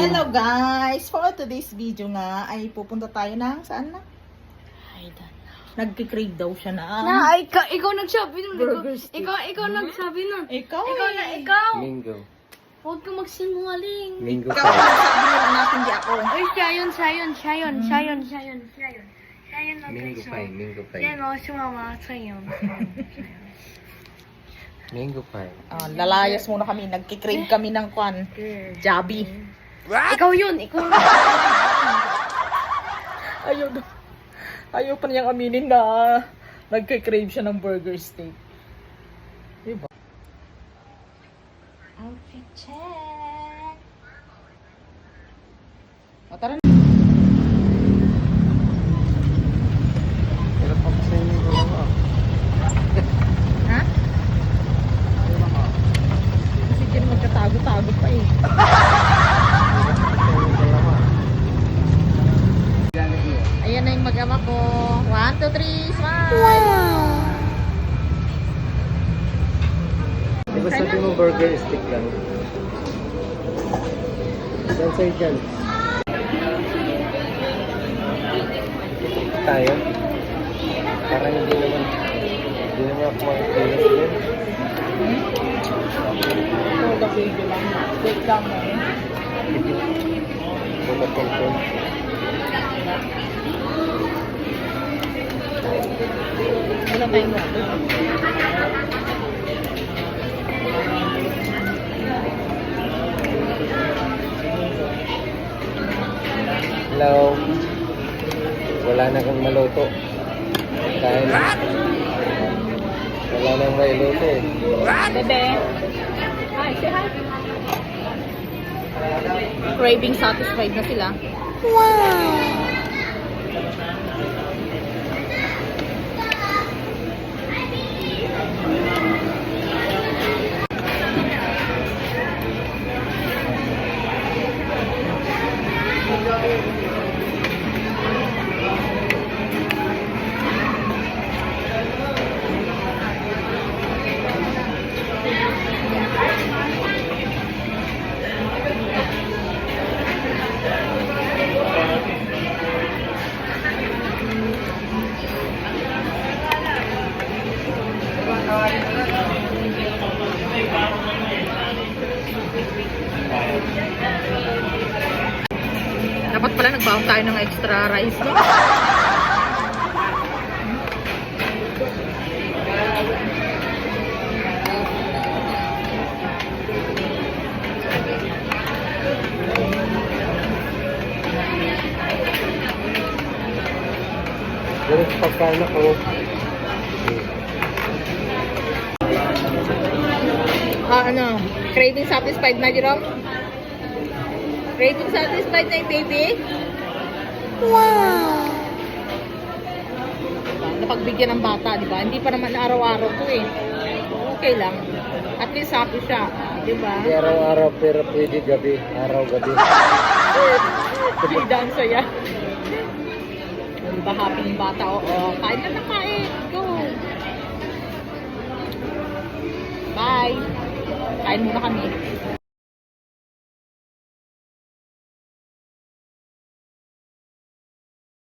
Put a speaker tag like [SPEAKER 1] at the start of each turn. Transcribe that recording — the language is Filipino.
[SPEAKER 1] Hello guys! For today's video nga ay pupunta tayo ng saan na? Nagkikrave daw siya na.
[SPEAKER 2] Ikaw nagsabi nun.
[SPEAKER 1] Burger steak.
[SPEAKER 2] Ikaw nagsabi nun.
[SPEAKER 1] Ikaw
[SPEAKER 2] Ikaw.
[SPEAKER 3] Mingo.
[SPEAKER 2] Huwag ka magsinungaling.
[SPEAKER 3] Mingo
[SPEAKER 1] Ikaw
[SPEAKER 3] pie.
[SPEAKER 1] nagsabi nila natin di ako.
[SPEAKER 2] Ay, siya yun. Siya yun
[SPEAKER 3] Mingo pie. Mingo pie.
[SPEAKER 2] Yan o, sumama sa yun.
[SPEAKER 3] Mingo pie.
[SPEAKER 1] Lalayas muna kami. Nagkikrave kami ng kwan. Jabi.
[SPEAKER 2] Ikaw yun.
[SPEAKER 1] Ayaw pa niyang aminin na nagkikrave siya ng burger steak. Diba? Outfit check. O tara na.
[SPEAKER 3] Pero pa sa inyo ko lang ah.
[SPEAKER 1] Ha? Kasi din magkatago-tago pa eh. Ayan na yung mag-ama ko. 1, 2, 3, smile! Wow!
[SPEAKER 3] Di ba sabi mo burger stick lang? Saan sa'yo dyan? Tayo? Parang hindi naman ako makikilas din.
[SPEAKER 1] So, the baby lang. Wait lang mo eh.
[SPEAKER 3] Wala pang phone.
[SPEAKER 1] Wala tayong water.
[SPEAKER 3] Hello? Wala na kang maluto. Kaya na. Wala nang may luto eh.
[SPEAKER 1] Bebe. Hi, say hi. Craving satisfied na sila. Dapat pala nagbaon tayo ng extra rice, no?
[SPEAKER 3] Pero sa pagkain ako,
[SPEAKER 1] Craving satisfied na, Jerome? Craving satisfied na yung baby? Wow! Napagbigyan ng bata, di ba? Hindi pa naman araw-araw to eh. Okay lang. At least happy siya, di ba?
[SPEAKER 3] hindi araw-araw pero pwede gabi, araw-gabi.
[SPEAKER 1] Hindi daan saya. Di ba happy yung bata? Oo, kain na kain. Go! Bye! Kain muna kami.